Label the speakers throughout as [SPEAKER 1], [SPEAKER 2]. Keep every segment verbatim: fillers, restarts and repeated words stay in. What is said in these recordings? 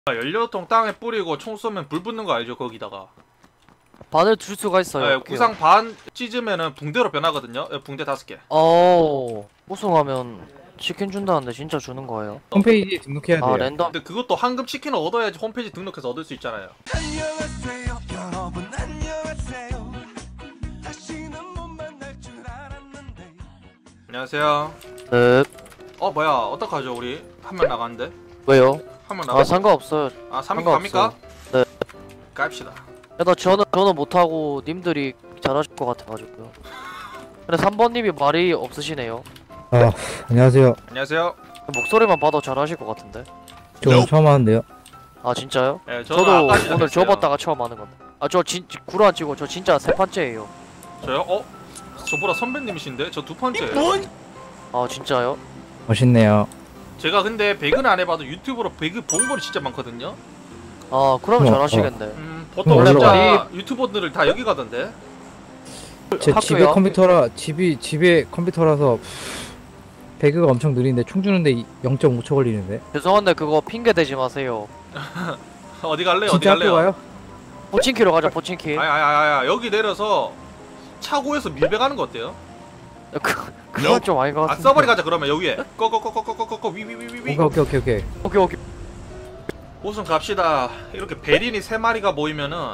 [SPEAKER 1] 연료통 땅에 뿌리고 총 쏘면 불 붙는 거 알죠? 거기다가
[SPEAKER 2] 반을 줄 수가 있어요.
[SPEAKER 1] 네, 구상 반 찢으면은 붕대로 변하거든요. 네, 붕대 다섯 개.
[SPEAKER 2] 어, 우승하면 치킨 준다는데 진짜 주는 거예요?
[SPEAKER 3] 홈페이지에 등록해야 돼요.
[SPEAKER 2] 아, 랜덤.
[SPEAKER 1] 근데 그것도 황금 치킨을 얻어야지 홈페이지 등록해서 얻을 수 있잖아요.
[SPEAKER 4] 안녕하세요 여러분 안녕하세요. 다시는 못 만날 줄 알았는데.
[SPEAKER 1] 안녕하세요.
[SPEAKER 2] 네.
[SPEAKER 1] 어 뭐야 어떡하죠 우리 한 명 나갔는데?
[SPEAKER 2] 왜요?
[SPEAKER 1] 한 명
[SPEAKER 2] 아,
[SPEAKER 1] 나갔어.
[SPEAKER 2] 상관없어요.
[SPEAKER 1] 아 삼 위
[SPEAKER 2] 상관없어요.
[SPEAKER 1] 갑니까?
[SPEAKER 2] 네.
[SPEAKER 1] 갑시다.
[SPEAKER 2] 나 저는 저는 못하고 님들이 잘하실 것 같아가지고요. 근데 삼 번님이 말이 없으시네요.
[SPEAKER 3] 아, 안녕하세요.
[SPEAKER 1] 안녕하세요.
[SPEAKER 2] 목소리만 봐도 잘하실 것 같은데.
[SPEAKER 3] 저 오늘 처음 하는데요.
[SPEAKER 2] 아, 진짜요?
[SPEAKER 1] 네, 저는
[SPEAKER 2] 저도
[SPEAKER 1] 아까
[SPEAKER 2] 오늘
[SPEAKER 1] 시작했어요.
[SPEAKER 2] 접었다가 처음 하는 건데. 아, 저 진, 구로 안 치고 저 진짜 세 번째예요.
[SPEAKER 1] 저요? 어? 저보다 선배님이신데? 저 두 번째예요.
[SPEAKER 2] 아, 진짜요?
[SPEAKER 3] 멋있네요.
[SPEAKER 1] 제가 근데 배그는 안 해봐도 유튜브로 배그 본 거리 진짜 많거든요.
[SPEAKER 2] 아, 그러면
[SPEAKER 3] 어,
[SPEAKER 2] 잘하시겠네.
[SPEAKER 1] 음, 보통
[SPEAKER 3] 원래
[SPEAKER 1] 진짜 유튜버들을 다 여기 가던데.
[SPEAKER 3] 제
[SPEAKER 2] 학교요?
[SPEAKER 3] 집에 컴퓨터라 집이 집에 컴퓨터라서 배그가 엄청 느린데 총 주는데 영 점 오 초 걸리는데.
[SPEAKER 2] 죄송한데 그거 핑계 대지 마세요.
[SPEAKER 1] 어디 갈래요? 어디
[SPEAKER 3] 진짜 학교
[SPEAKER 1] 갈래요?
[SPEAKER 3] 가요?
[SPEAKER 2] 포친키로 가자, 포친키.
[SPEAKER 1] 아야야야 여기 내려서 차고에서 밀배 가는 거 어때요?
[SPEAKER 2] 그, 그건 좀 아닌 것
[SPEAKER 1] 아
[SPEAKER 2] 같은데.
[SPEAKER 1] 서버리 가자 그러면 여기에 꺼꺼꺼꺼꺼꺼꺼 위위위위위
[SPEAKER 3] 오케이 오케이 오케이 오케이.
[SPEAKER 2] 오케이, 오케이.
[SPEAKER 1] 우선 갑시다. 이렇게 베린이 세 마리가 보이면은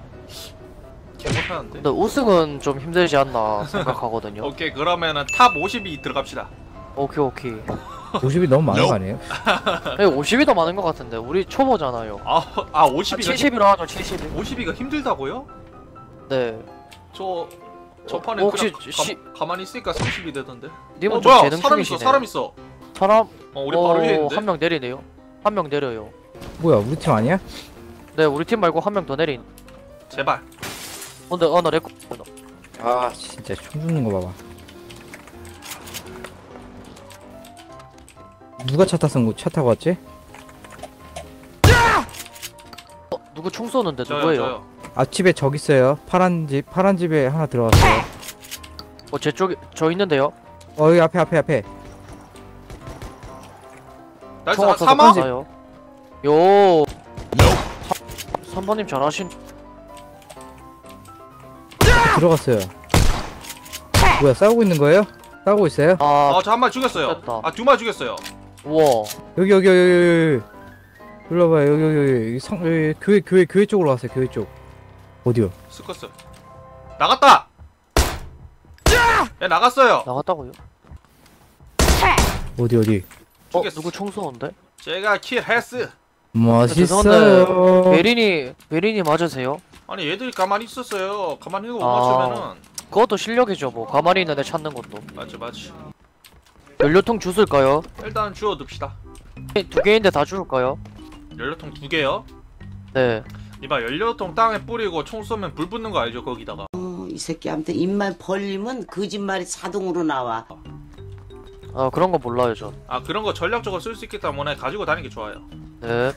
[SPEAKER 1] 개못하는데.
[SPEAKER 2] 근데 우승은 좀 힘들지 않나 생각하거든요.
[SPEAKER 1] 오케이 그러면은 탑 오십이 들어갑시다.
[SPEAKER 2] 오케이, 오케이.
[SPEAKER 3] 오십이 너무 많은 거 아니에요?
[SPEAKER 2] 네, 오십이 더 많은 것 같은데 우리 초보잖아요.
[SPEAKER 1] 아, 아
[SPEAKER 2] 아,
[SPEAKER 1] 오십이가
[SPEAKER 2] 칠십으로 하죠, 칠십이.
[SPEAKER 1] 오십이가 힘들다고요?
[SPEAKER 2] 네.
[SPEAKER 1] 저 저
[SPEAKER 2] 어,
[SPEAKER 1] 판에
[SPEAKER 2] 혹시
[SPEAKER 1] 그냥
[SPEAKER 2] 시-
[SPEAKER 1] 가, 가만히 있으니까 삼십이 되던데.
[SPEAKER 2] 님은
[SPEAKER 1] 어
[SPEAKER 2] 좀
[SPEAKER 1] 뭐야
[SPEAKER 2] 재능
[SPEAKER 1] 사람 있어
[SPEAKER 2] 충이시네.
[SPEAKER 1] 사람 있어.
[SPEAKER 2] 사람?
[SPEAKER 1] 어 우리 바로 위에 있는데.
[SPEAKER 2] 한 명 내리네요. 한 명 내려요.
[SPEAKER 3] 뭐야 우리 팀 아니야?
[SPEAKER 2] 네, 우리 팀 말고 한 명 더 내린.
[SPEAKER 1] 제발.
[SPEAKER 2] 어, 근데 어나 레코.
[SPEAKER 3] 아 진짜 총 주는 거 봐봐. 누가 차 탔은 차 타고 왔지?
[SPEAKER 2] 어, 누구 총 쏘는데
[SPEAKER 1] 저요
[SPEAKER 2] 누구예요?
[SPEAKER 1] 저요.
[SPEAKER 3] 앞집에 적 있어요. 파란 집 파란 집에 하나 들어갔어요.
[SPEAKER 2] 어, 제 쪽에 저 있는데요.
[SPEAKER 3] 어 여기 앞에 앞에 앞에.
[SPEAKER 1] 나이스
[SPEAKER 2] 총
[SPEAKER 1] 아,
[SPEAKER 2] 없어서
[SPEAKER 1] 사마?
[SPEAKER 2] 가요. 요. 삼 번님 잘하신.
[SPEAKER 3] 들어갔어요. 뭐야 싸우고 있는 거예요? 싸우고 있어요?
[SPEAKER 2] 아,
[SPEAKER 1] 아저 한 마리 죽였어요.
[SPEAKER 2] 됐다.
[SPEAKER 1] 아 두 마리 죽였어요.
[SPEAKER 2] 우와.
[SPEAKER 3] 여기 여기 여기 여기 여기 불러봐요. 여기 여기 여기 여기 성 여기 교회 교회 교회 쪽으로 왔어요. 교회 쪽. 어디요?
[SPEAKER 1] 스커스. 나갔다. 야 나갔어요.
[SPEAKER 2] 나갔다고요?
[SPEAKER 3] 어디 어디?
[SPEAKER 2] 어,
[SPEAKER 1] 죽였어.
[SPEAKER 2] 누구 총 쏘는데?
[SPEAKER 1] 제가 킬했어.
[SPEAKER 3] 멋있어요.
[SPEAKER 2] 베린이 베린이 맞으세요?
[SPEAKER 1] 아니 얘들이 가만히 있었어요. 가만히 있는 거 못
[SPEAKER 2] 아.
[SPEAKER 1] 맞추면은.
[SPEAKER 2] 그것도 실력이죠. 뭐 가만히 있는 애 찾는 것도.
[SPEAKER 1] 맞지 맞지.
[SPEAKER 2] 연료통 주술까요?
[SPEAKER 1] 일단 주워둡시다.
[SPEAKER 2] 두 개인데 다 주울까요?
[SPEAKER 1] 연료통 두 개요.
[SPEAKER 2] 네.
[SPEAKER 1] 이봐 연료통 땅에 뿌리고 총 쏘면 불 붙는 거 알죠? 거기다가.
[SPEAKER 5] 어, 이 새끼한테 입만 벌리면 거짓말이 자동으로 나와.
[SPEAKER 2] 아, 그런 거 몰라요 전.
[SPEAKER 1] 아 그런 거 전략적으로 쓸 수 있기 때문에 가지고 다니는 게 좋아요.
[SPEAKER 2] 네.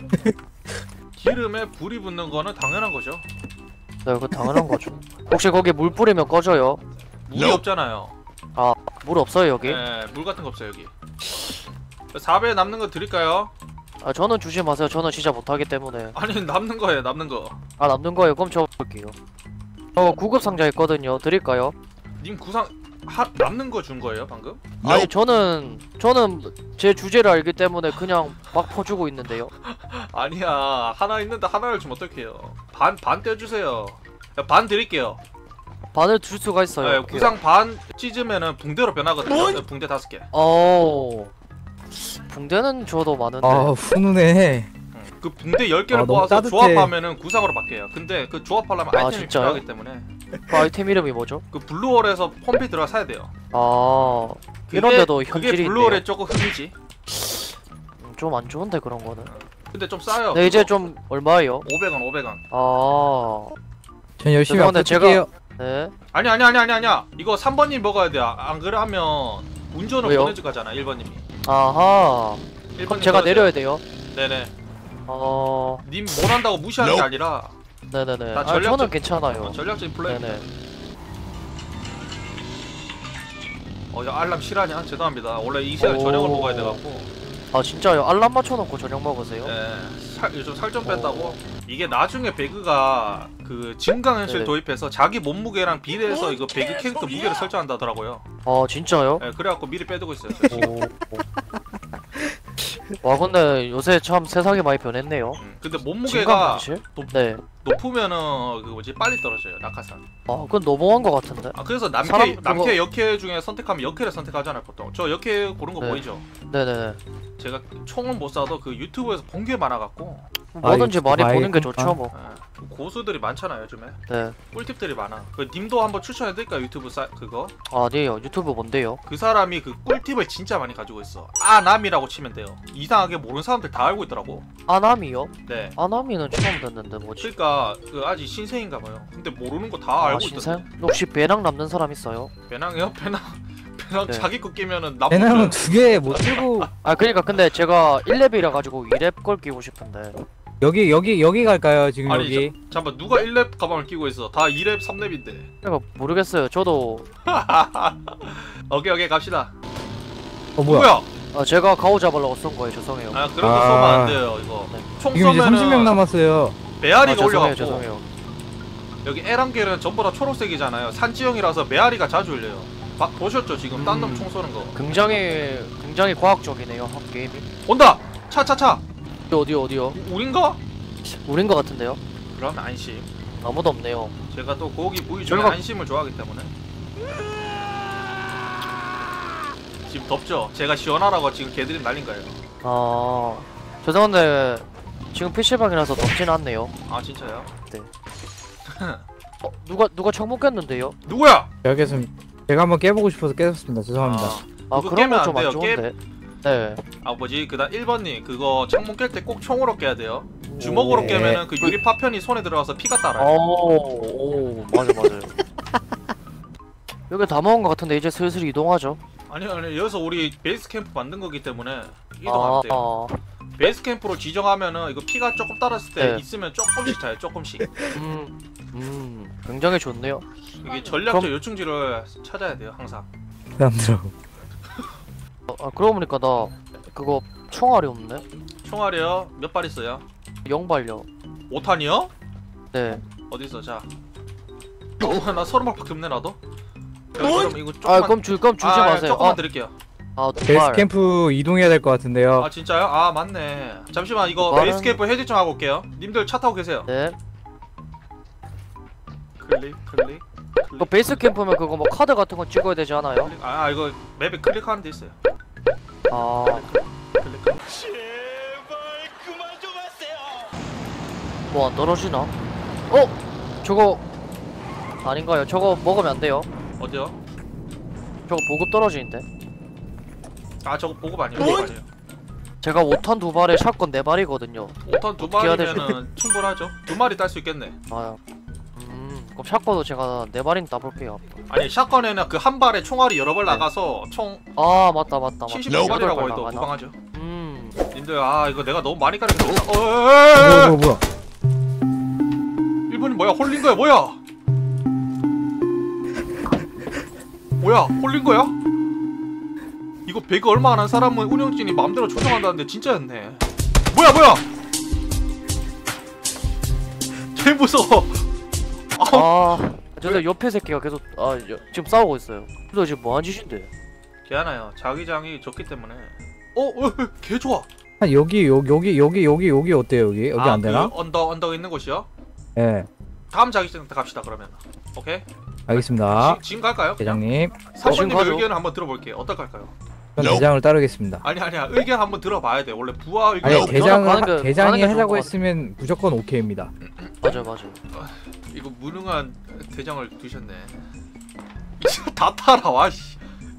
[SPEAKER 1] 기름에 불이 붙는 거는 당연한 거죠.
[SPEAKER 2] 네, 그거 당연한 거죠. 혹시 거기 물 뿌리면 꺼져요?
[SPEAKER 1] 물이 없잖아요.
[SPEAKER 2] 물 없어요 여기?
[SPEAKER 1] 네, 물 같은 거 없어요 여기. 사 배 남는 거 드릴까요?
[SPEAKER 2] 아, 저는 주지 마세요. 저는 진짜 못하기 때문에.
[SPEAKER 1] 아니 남는 거예요 남는 거.
[SPEAKER 2] 아, 남는 거예요? 그럼 저 볼게요. 저 구급 상자 있거든요. 드릴까요?
[SPEAKER 1] 님 구상 하, 남는 거 준 거예요 방금?
[SPEAKER 2] 아니, 저는 저는 제 주제를 알기 때문에 그냥 막 퍼주고 있는데요.
[SPEAKER 1] 아니야 하나 있는데 하나를 주면 어떡해요. 반 반 떼주세요. 야, 반 드릴게요.
[SPEAKER 2] 반을 줄 수가 있어요.
[SPEAKER 1] 네,
[SPEAKER 2] 오케이.
[SPEAKER 1] 구상 반 찢으면은 붕대로 변하거든요. 네, 붕대 다섯 개.
[SPEAKER 2] 어. 붕대는 줘도 많은데.
[SPEAKER 3] 아 훈훈해.
[SPEAKER 1] 그 붕대 열 개를
[SPEAKER 3] 아, 너무
[SPEAKER 1] 모아서
[SPEAKER 3] 따뜻해.
[SPEAKER 1] 조합하면은 구상으로 바뀌어요. 근데 그 조합하려면
[SPEAKER 2] 아,
[SPEAKER 1] 아이템이
[SPEAKER 2] 진짜요?
[SPEAKER 1] 필요하기 때문에
[SPEAKER 2] 그 아이템 이름이 뭐죠?
[SPEAKER 1] 그 블루월에서 홈페이지 들어가 사야 돼요.
[SPEAKER 2] 아,
[SPEAKER 1] 그게-
[SPEAKER 2] 이런데도
[SPEAKER 1] 그게
[SPEAKER 2] 현질이 있네요.
[SPEAKER 1] 블루월의 조금 흠이지.
[SPEAKER 2] 좀 안 좋은데 그런 거는.
[SPEAKER 1] 근데 좀 싸요.
[SPEAKER 2] 네, 이제
[SPEAKER 1] 그거.
[SPEAKER 2] 좀 얼마예요?
[SPEAKER 1] 오백 원 오백 원.
[SPEAKER 2] 아,
[SPEAKER 3] 전 열심히
[SPEAKER 2] 죄송한데
[SPEAKER 3] 앞에
[SPEAKER 2] 제가-
[SPEAKER 3] 뛸게요.
[SPEAKER 2] 네.
[SPEAKER 1] 아니 아니 아니 아니 아니야. 이거 삼 번님 먹어야 돼. 아, 안 그러면 운전을
[SPEAKER 2] 왜요?
[SPEAKER 1] 보내줄 거잖아. 일 번님이.
[SPEAKER 2] 아하.
[SPEAKER 1] 일
[SPEAKER 2] 그럼
[SPEAKER 1] 번님
[SPEAKER 2] 제가
[SPEAKER 1] 먹어야
[SPEAKER 2] 내려야
[SPEAKER 1] 돼요.
[SPEAKER 2] 돼요.
[SPEAKER 1] 네네.
[SPEAKER 2] 어,
[SPEAKER 1] 님 못한다고 무시하는 게 아니라
[SPEAKER 2] 네네네.
[SPEAKER 1] 나
[SPEAKER 2] 아,
[SPEAKER 1] 전략적-
[SPEAKER 2] 저는 괜찮아요.
[SPEAKER 1] 어, 전략적인 플레이.
[SPEAKER 2] 네네.
[SPEAKER 1] 어, 야, 알람 실하냐? 죄송합니다. 원래 이 시간에 저녁을
[SPEAKER 2] 오.
[SPEAKER 1] 먹어야 돼갖고.
[SPEAKER 2] 아 진짜요? 알람 맞춰놓고 저녁 먹으세요?
[SPEAKER 1] 예, 살, 요즘 살 좀 뺐다고. 이게 나중에 배그가 그 증강현실
[SPEAKER 2] 네네.
[SPEAKER 1] 도입해서 자기 몸무게랑 비례해서 이거 배그 캐릭터 무게를 설정한다더라고요.
[SPEAKER 2] 아 진짜요?
[SPEAKER 1] 예, 그래갖고 미리 빼두고 있어요. 저 지금.
[SPEAKER 2] 오. 와 근데 요새 참 세상이 많이 변했네요.
[SPEAKER 1] 음, 근데 몸무게가
[SPEAKER 2] 증강현실?
[SPEAKER 1] 높,
[SPEAKER 2] 네.
[SPEAKER 1] 높으면은 그 뭐지 빨리 떨어져요 낙하산.
[SPEAKER 2] 아 그건 너무한 것 같은데.
[SPEAKER 1] 아 그래서 남캐
[SPEAKER 2] 사람
[SPEAKER 1] 남캐
[SPEAKER 2] 그거-
[SPEAKER 1] 역캐 중에 선택하면 역캐를 선택하잖아요 보통. 저 역캐 고른 거
[SPEAKER 2] 네.
[SPEAKER 1] 보이죠?
[SPEAKER 2] 네네네.
[SPEAKER 1] 제가 총은 못 쏴도 그 유튜브에서 본 게 많아갖고
[SPEAKER 2] 뭐든지
[SPEAKER 3] 이거
[SPEAKER 2] 많이
[SPEAKER 3] 아이,
[SPEAKER 2] 보는 게
[SPEAKER 3] 그러니까.
[SPEAKER 2] 좋죠 뭐.
[SPEAKER 1] 예, 고수들이 많잖아요 요즘에.
[SPEAKER 2] 네.
[SPEAKER 1] 꿀팁들이 많아. 그 님도 한번 추천해드릴까 유튜브 사 그거?
[SPEAKER 2] 아니에요. 유튜브 뭔데요?
[SPEAKER 1] 그 사람이 그 꿀팁을 진짜 많이 가지고 있어. 아남이라고 치면 돼요. 이상하게 모르는 사람들 다 알고 있더라고.
[SPEAKER 2] 아나미요?
[SPEAKER 1] 네.
[SPEAKER 2] 아나미는 처음 듣는데 뭐지?
[SPEAKER 1] 그러니까 그 아직 신생인가 봐요. 근데 모르는 거 다
[SPEAKER 2] 아
[SPEAKER 1] 알고
[SPEAKER 2] 신생?
[SPEAKER 1] 있던데.
[SPEAKER 2] 혹시 배낭 남는 사람 있어요?
[SPEAKER 1] 배낭이요? 배낭 배낭
[SPEAKER 2] 네.
[SPEAKER 1] 자기 거 끼면은 나쁜
[SPEAKER 3] 배낭은 두 개 못 들고
[SPEAKER 2] 아 그러니까 근데 제가 일 렙이라 가지고 이 렙 걸 끼고 싶은데.
[SPEAKER 3] 여기 여기 여기 갈까요 지금
[SPEAKER 1] 아니
[SPEAKER 3] 여기?
[SPEAKER 1] 자, 잠깐만 누가 일 렙 가방을 끼고 있어. 다 이 렙 삼 렙인데.
[SPEAKER 2] 그러니까 모르겠어요. 저도
[SPEAKER 1] 오케이 오케이 갑시다.
[SPEAKER 3] 어 뭐야?
[SPEAKER 1] 뭐야?
[SPEAKER 2] 아, 제가 가오 잡으려고 쏜 거예요. 죄송해요.
[SPEAKER 1] 아 그런 거
[SPEAKER 3] 아.
[SPEAKER 1] 쏘면 안 돼요 이거.
[SPEAKER 2] 네.
[SPEAKER 1] 총
[SPEAKER 3] 지금 이제
[SPEAKER 1] 쏘면은
[SPEAKER 3] 삼십 명 남았어요.
[SPEAKER 1] 메아리가
[SPEAKER 2] 아, 죄송해요.
[SPEAKER 1] 올려갖고
[SPEAKER 2] 죄송해요.
[SPEAKER 1] 여기 에란겔은 전부 다 초록색이잖아요. 산지형이라서 메아리가 자주 올려요. 봐, 보셨죠 지금 딴 놈
[SPEAKER 2] 음.
[SPEAKER 1] 총 쏘는 거.
[SPEAKER 2] 굉장히 굉장히 과학적이네요. 한 게임이.
[SPEAKER 1] 온다. 차 차 차.
[SPEAKER 2] 어디 어디요?
[SPEAKER 1] 우린가?
[SPEAKER 2] 우린 것 같은데요?
[SPEAKER 1] 그러면 안심.
[SPEAKER 2] 아무도 없네요.
[SPEAKER 1] 제가 또 고기 부위 중에
[SPEAKER 2] 저희가-
[SPEAKER 1] 안심을 좋아하기 때문에. 지금 덥죠? 제가 시원하라고 지금 개들이 날린 거예요.
[SPEAKER 2] 아 죄송한데 지금 피시방이라서 덥진 않네요.
[SPEAKER 1] 아 진짜요?
[SPEAKER 2] 어, 누가 누가 창문 깼는데요?
[SPEAKER 1] 누구야?
[SPEAKER 3] 여기서 제가 한번 깨보고 싶어서 깨졌습니다. 죄송합니다.
[SPEAKER 2] 아
[SPEAKER 1] 그거
[SPEAKER 2] 그런
[SPEAKER 1] 깨면
[SPEAKER 2] 건 좀
[SPEAKER 1] 안
[SPEAKER 2] 안
[SPEAKER 1] 돼요.
[SPEAKER 2] 좋은데. 네.
[SPEAKER 1] 아 뭐지? 그다음 일 번님 그거 창문 깰 때 꼭 총으로 깨야 돼요. 주먹으로
[SPEAKER 3] 네.
[SPEAKER 1] 깨면은 그 유리 파편이 손에 들어가서 피가 따라요.
[SPEAKER 2] 오, 오 맞아 맞아요. 여기 다 먹은 것 같은데 이제 슬슬 이동하죠.
[SPEAKER 1] 아니 아니 여기서 우리 베이스 캠프 만든 거기 때문에 이동하면
[SPEAKER 2] 아,
[SPEAKER 1] 돼요.
[SPEAKER 2] 아,
[SPEAKER 1] 베이스 캠프로 지정하면은 이거 피가 조금 따랐을 때
[SPEAKER 2] 네.
[SPEAKER 1] 있으면 조금씩 차요. 조금씩.
[SPEAKER 2] 음, 음, 굉장히 좋네요.
[SPEAKER 1] 이게 전략적
[SPEAKER 2] 그럼-
[SPEAKER 1] 요충지를 찾아야 돼요 항상.
[SPEAKER 3] 사람들하고.
[SPEAKER 2] 어, 아 그러고 보니까 나 그거 총알이 없네.
[SPEAKER 1] 총알이요? 몇 발 있어요?
[SPEAKER 2] 영발요.
[SPEAKER 1] 오 탄이요?
[SPEAKER 2] 네.
[SPEAKER 1] 어디 있어? 자. 어, 나 서른 발밖에 없네 나도. 그럼 이거 조금만.
[SPEAKER 2] 아 그럼 주 그럼 주지
[SPEAKER 1] 아,
[SPEAKER 2] 마세요.
[SPEAKER 1] 조금만
[SPEAKER 2] 아,
[SPEAKER 1] 드릴게요.
[SPEAKER 2] 아
[SPEAKER 3] 베이스
[SPEAKER 2] 두발.
[SPEAKER 3] 캠프 이동해야 될 것 같은데요.
[SPEAKER 1] 아 진짜요? 아 맞네. 잠시만 이거
[SPEAKER 2] 말은-
[SPEAKER 1] 베이스 캠프 해지 좀 하고 올게요. 님들 차 타고 계세요.
[SPEAKER 2] 네.
[SPEAKER 1] 클릭 클릭.
[SPEAKER 2] 그 베이스 캠프면 그거 뭐 카드 같은 거 찍어야 되지 않아요?
[SPEAKER 1] 클릭. 아 이거 맵에 클릭하는 데 있어요.
[SPEAKER 2] 아,
[SPEAKER 1] 클릭. 클릭.
[SPEAKER 2] 뭐 안 떨어지나? 어? 저거 아닌가요? 저거 먹으면 안 돼요.
[SPEAKER 1] 어디요?
[SPEAKER 2] 저거 보급 떨어지는데.
[SPEAKER 1] 아 저거 보급 아니에요? 보급 아니에요?
[SPEAKER 2] 제가 오 탄 두 발에 샷건 네 발이거든요.
[SPEAKER 1] 오 탄 두
[SPEAKER 2] 어떻게 해야
[SPEAKER 1] 마리면은 충분하죠. 두 마리 딸 수 있겠네.
[SPEAKER 2] 아, 음, 그럼 샷건도 제가 네 발인 따볼게요.
[SPEAKER 1] 아니 샷건에는 그 한 발에 총알이 여러 발 나가서 총
[SPEAKER 2] 아 맞다 맞다 맞다.
[SPEAKER 1] 칠십오 발이라고
[SPEAKER 2] 여덟 발
[SPEAKER 1] 해도
[SPEAKER 2] 나가나?
[SPEAKER 1] 무방하죠.
[SPEAKER 2] 음,
[SPEAKER 1] 님들 아 이거 내가 너무 많이 가린 거. 어,
[SPEAKER 3] 뭐야
[SPEAKER 1] 어,
[SPEAKER 3] 뭐야 뭐야?
[SPEAKER 1] 일본이 뭐야? 홀린 거야 뭐야? 뭐야? 홀린 거야? 이거 배그 얼마 안 한 사람은 운영진이 마음대로 조정한다는데 진짜였네. 뭐야 뭐야? 개 무서워.
[SPEAKER 2] 아, 저 옆에 새끼가 계속 아 여, 지금 싸우고 있어요. 너 지금 뭐한 짓인데?
[SPEAKER 1] 걔하나요. 자기장이 적기 때문에. 어, 어, 개 좋아.
[SPEAKER 3] 한 여기 여기 여기 여기 여기 여기 어때요 여기 여기
[SPEAKER 1] 아,
[SPEAKER 3] 안 되나?
[SPEAKER 1] 그 언덕 언덕 있는 곳이요?
[SPEAKER 3] 예.
[SPEAKER 1] 다음 자기장 때 갑시다 그러면. 오케이.
[SPEAKER 3] 알겠습니다.
[SPEAKER 1] 지, 지금 갈까요?
[SPEAKER 3] 대장님,
[SPEAKER 1] 사모님의
[SPEAKER 2] 지금 가죠.
[SPEAKER 1] 의견을 한번 들어볼게요. 어떡할까요?
[SPEAKER 3] 전 대장을 따르겠습니다.
[SPEAKER 1] 아니 아니야 의견 한번 들어봐야 돼. 원래 부하 의견.
[SPEAKER 3] 아니
[SPEAKER 2] 저는
[SPEAKER 3] 대장을
[SPEAKER 2] 가는 게-
[SPEAKER 3] 하-
[SPEAKER 2] 가는
[SPEAKER 3] 대장이
[SPEAKER 2] 게 좋을
[SPEAKER 3] 하자고
[SPEAKER 2] 것
[SPEAKER 3] 했으면 무조건 오케이입니다.
[SPEAKER 2] 맞아 맞아.
[SPEAKER 1] 이거 무능한 대장을 두셨네. 이제 다 따라와 씨.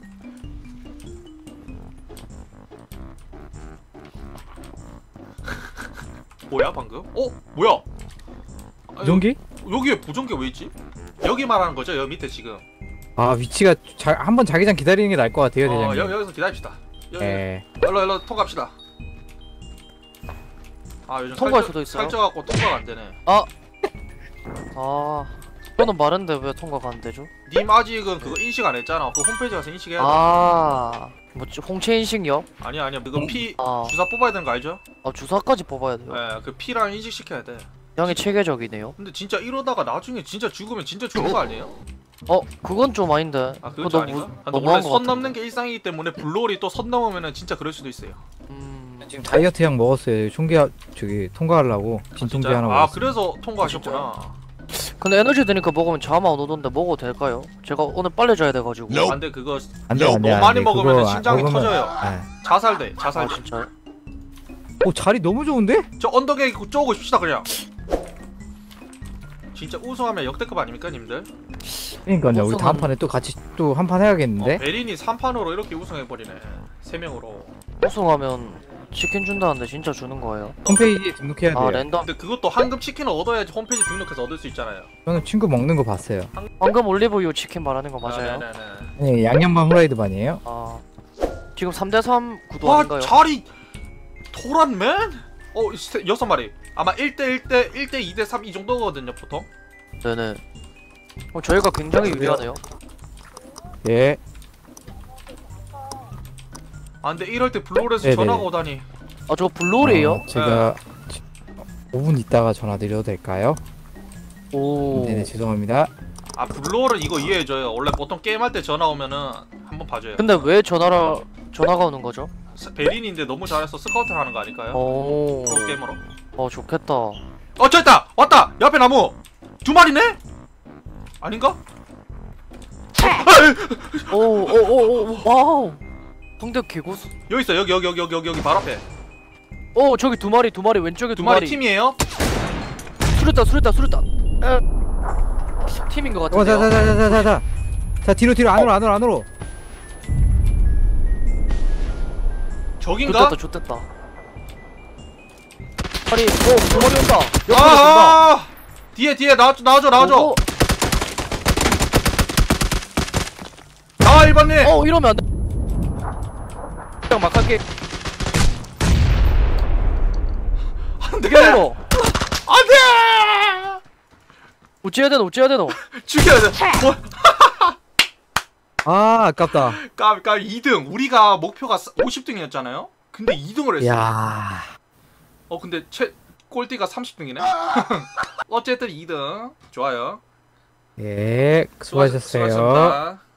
[SPEAKER 1] 뭐야 방금? 어? 뭐야? 아,
[SPEAKER 3] 부정기?
[SPEAKER 1] 여, 여기에 부정기 왜 있지? 여기 말하는 거죠? 여기 밑에 지금.
[SPEAKER 3] 아 위치가 자, 한번 자기장 기다리는 게 나을 것 같아요
[SPEAKER 1] 어,
[SPEAKER 3] 대장님.
[SPEAKER 1] 여, 여기서 기다립시다. 여기.
[SPEAKER 3] 예.
[SPEAKER 1] 일로 일로 통과합시다. 아 요즘
[SPEAKER 2] 통과할
[SPEAKER 1] 살쪄-
[SPEAKER 2] 수도 있어요?
[SPEAKER 1] 살쪄갖고 통과가 안 되네.
[SPEAKER 2] 아, 저는 마른데 왜 통과가 안 되죠?
[SPEAKER 1] 님 아직은 그거 인식 안 했잖아. 그 홈페이지 가서 인식해야 돼.
[SPEAKER 2] 아, 뭐지 홍채 인식요?
[SPEAKER 1] 아니야 아니야 그거 피
[SPEAKER 2] 아,
[SPEAKER 1] 주사 뽑아야 되는 거 알죠?
[SPEAKER 2] 아 주사까지 뽑아야 돼요.
[SPEAKER 1] 예, 그 피랑 인식시켜야 돼.
[SPEAKER 2] 굉장히 체계적이네요.
[SPEAKER 1] 근데 진짜 이러다가 나중에 진짜 죽으면 진짜 죽은 거 아니에요?
[SPEAKER 2] 어 그건 좀 아닌데.
[SPEAKER 1] 아
[SPEAKER 2] 그거
[SPEAKER 1] 그건 좀
[SPEAKER 2] 너무
[SPEAKER 1] 아닌가? 아, 근데
[SPEAKER 2] 너무한
[SPEAKER 1] 원래
[SPEAKER 2] 것
[SPEAKER 1] 선
[SPEAKER 2] 같은데.
[SPEAKER 1] 넘는 게 일상이기 때문에 블롤이 또 선 넘으면은 진짜 그럴 수도 있어요.
[SPEAKER 2] 음...
[SPEAKER 3] 지금 다이어트 약 먹었어요. 총기 저기 통과하려고 진통제
[SPEAKER 1] 진짜요?
[SPEAKER 3] 하나
[SPEAKER 1] 아
[SPEAKER 3] 먹었어요.
[SPEAKER 1] 그래서 통과하셨구나.
[SPEAKER 2] 근데 에너지 드니까 먹으면 잠 안 오던데 먹어도 될까요? 제가 오늘 빨리 자야 돼가지고.
[SPEAKER 1] 아, 근데 그거
[SPEAKER 3] 안돼
[SPEAKER 1] 너무
[SPEAKER 3] 안돼
[SPEAKER 1] 많이
[SPEAKER 3] 안돼.
[SPEAKER 1] 먹으면
[SPEAKER 3] 그거
[SPEAKER 1] 심장이
[SPEAKER 3] 먹으면-
[SPEAKER 1] 터져요.
[SPEAKER 3] 아.
[SPEAKER 1] 자살돼
[SPEAKER 2] 아
[SPEAKER 1] 자살돼.
[SPEAKER 2] 진짜요?
[SPEAKER 3] 오 자리 너무 좋은데?
[SPEAKER 1] 저 언덕에 있고 쪼고 싶시다 그냥. 진짜 우승하면 역대급 아닙니까 님들?
[SPEAKER 3] 그러니까요. 우리
[SPEAKER 2] 우승은-
[SPEAKER 3] 다음 판에 또 같이 또 한 판 해야겠는데?
[SPEAKER 1] 어, 베린이 삼 판으로 이렇게 우승해버리네. 세 명으로.
[SPEAKER 2] 우승하면 치킨 준다는데 진짜 주는 거예요?
[SPEAKER 3] 홈페이지에 등록해야 돼요.
[SPEAKER 2] 아 랜덤.
[SPEAKER 1] 근데 그것도 황금 치킨을 얻어야지 홈페이지 등록해서 얻을 수 있잖아요.
[SPEAKER 3] 저는 친구 먹는 거 봤어요.
[SPEAKER 2] 방금 올리브유 치킨 말하는 거 맞아요?
[SPEAKER 1] 아, 네네네.
[SPEAKER 3] 네, 양념반 후라이드 반이에요.
[SPEAKER 2] 아 지금 삼 대 삼 구도
[SPEAKER 1] 와
[SPEAKER 2] 아닌가요?
[SPEAKER 1] 자리 도란맨? 어 세- 여섯 마리. 아마 일 대 일 대 일 대 이 대 삼 이 정도거든요 보통.
[SPEAKER 2] 네네. 어, 저희가 굉장히 유리하네요.
[SPEAKER 3] 예.
[SPEAKER 1] 아 근데 이럴 때 블루홀에서
[SPEAKER 3] 네네네.
[SPEAKER 1] 전화가 오다니.
[SPEAKER 2] 아 저거 블루홀이에요?
[SPEAKER 3] 어, 제가 오 분 있다가 전화 드려도 될까요?
[SPEAKER 2] 오.
[SPEAKER 3] 네네 죄송합니다.
[SPEAKER 1] 아 블루홀은 이거 이해해줘요. 원래 보통 게임할 때 전화 오면은 한번 봐줘요.
[SPEAKER 2] 근데 왜 전화라 전화가 오는 거죠?
[SPEAKER 1] 스- 베린인데 너무 잘해서 스카우트 하는 거 아닐까요?
[SPEAKER 2] 오.
[SPEAKER 1] 프로 게임으로.
[SPEAKER 2] 어 좋겠다.
[SPEAKER 1] 어 저기 있다! 왔다! 옆에 나무! 두 마리네? 아닌가?
[SPEAKER 2] 오오오오 와우. 상대 개고수.
[SPEAKER 1] 여기 있어 여기 여기 여기 여기 여기 여기 바로 앞에.
[SPEAKER 2] 오 저기 두 마리 두 마리 왼쪽에
[SPEAKER 1] 두
[SPEAKER 2] 두
[SPEAKER 1] 마리
[SPEAKER 2] 마리.
[SPEAKER 1] 팀이에요?
[SPEAKER 2] 수류탄 수류탄 수류탄. 에. 팀인 것
[SPEAKER 3] 어,
[SPEAKER 2] 같은데요.
[SPEAKER 3] 자자자자자자. 자 뒤로 뒤로 안으로 안으로 안으로.
[SPEAKER 1] 저긴가?
[SPEAKER 2] 좋댔다 좋댔다. 아니 오두 마리 온다. 옆으로
[SPEAKER 1] 아,
[SPEAKER 2] 온다.
[SPEAKER 1] 아, 뒤에 뒤에 나와줘 나와줘 나와줘.
[SPEAKER 2] 오, 오.
[SPEAKER 1] 나와 일 번님.
[SPEAKER 2] 어 이러면 안 돼. 그냥 막 할게.
[SPEAKER 1] 안돼
[SPEAKER 2] 죽여야
[SPEAKER 1] 안돼.
[SPEAKER 2] 어찌해야 되노 어찌해야 되노.
[SPEAKER 1] 죽여야 돼. 뭐?
[SPEAKER 3] 아 아깝다.
[SPEAKER 1] 까까 이 등. 우리가 목표가 오십 등이었잖아요. 근데 이 등을 했어.
[SPEAKER 3] 야.
[SPEAKER 1] 어 근데 최 꼴찌가 삼십 등이네. 어쨌든 이 등. 좋아요.
[SPEAKER 3] 예 수고하셨어요.
[SPEAKER 1] 수고하셨습니다.